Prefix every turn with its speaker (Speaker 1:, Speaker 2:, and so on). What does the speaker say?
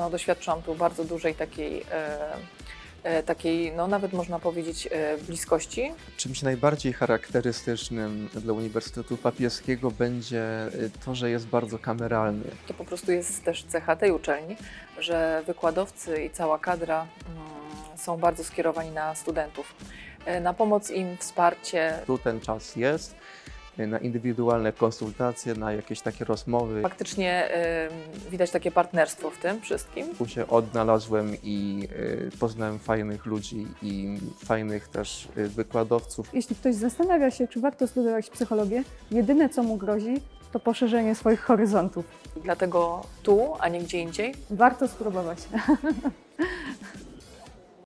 Speaker 1: no, doświadczyłam tu bardzo dużej takiej, no nawet można powiedzieć, bliskości.
Speaker 2: Czymś najbardziej charakterystycznym dla Uniwersytetu Papieskiego będzie to, że jest bardzo kameralny.
Speaker 1: To po prostu jest też cecha tej uczelni, że wykładowcy i cała kadra są bardzo skierowani na studentów, na pomoc im, wsparcie.
Speaker 2: Tu ten czas jest na indywidualne konsultacje, na jakieś takie rozmowy.
Speaker 1: Faktycznie widać takie partnerstwo w tym wszystkim.
Speaker 2: Tu się odnalazłem i poznałem fajnych ludzi i fajnych też wykładowców.
Speaker 3: Jeśli ktoś zastanawia się, czy warto studiować psychologię, jedyne co mu grozi, to poszerzenie swoich horyzontów.
Speaker 1: Dlatego tu, a nie gdzie indziej.
Speaker 3: Warto spróbować.